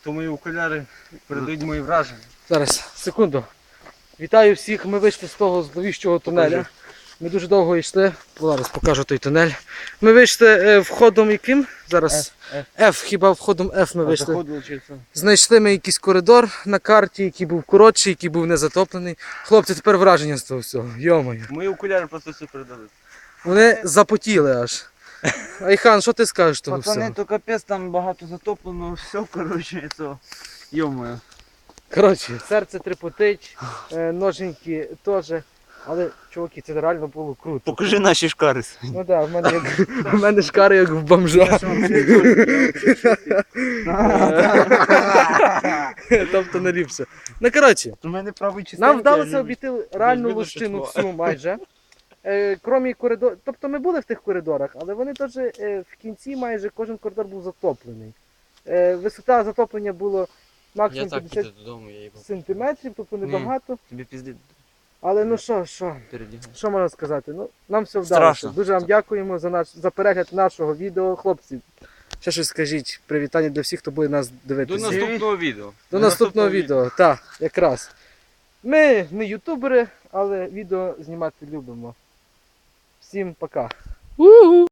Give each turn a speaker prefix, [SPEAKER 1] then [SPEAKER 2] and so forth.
[SPEAKER 1] То мої окуляри передають мої враження.
[SPEAKER 2] Зараз, секунду. Вітаю всіх, ми вийшли з того зловіщого тунеля. Ми дуже довго йшли, зараз покажу той тунель. Ми вийшли входом яким? Зараз F, хіба входом F ми вийшли. Знайшли ми якийсь коридор на карті, який був коротший, який був не затоплений. Хлопці, тепер враження з того всього, йо-моє.
[SPEAKER 1] Мої окуляри просто все передали.
[SPEAKER 2] Вони запотіли аж. Айхан, що ти скажеш з того всього?
[SPEAKER 3] Пацани, то капець, там багато затоплено, все, коротше, це, йо-моє.
[SPEAKER 2] Коротше, серце трепотить, ноженьки теж. Але, чуваки, це реально було круто.
[SPEAKER 3] Покажи наші шкари.
[SPEAKER 2] Ну так, в мене шкари як в бомжа. Тобто не ліпше. Ну, коротше,
[SPEAKER 3] У мене правий частина.
[SPEAKER 2] нам вдалося обійти реальну лощину всю майже. Крім коридорів, тобто ми були в тих коридорах, але вони теж в кінці майже кожен коридор був затоплений. Висота затоплення було максимум 50 сантиметрів, тобто небагато.
[SPEAKER 3] Тобі пізди
[SPEAKER 2] Але ну що
[SPEAKER 3] передягай.
[SPEAKER 2] що можна сказати? Ну, нам все вдалося.
[SPEAKER 3] Страшно.
[SPEAKER 2] Дуже вам дякуємо за перегляд нашого відео. Хлопці, ще щось скажіть. Привітання для всіх, хто буде нас
[SPEAKER 1] До
[SPEAKER 2] дивитися.
[SPEAKER 1] наступного відео.
[SPEAKER 2] До наступного відео. Так, якраз. Ми не ютубери, але відео знімати любимо. Всім пока.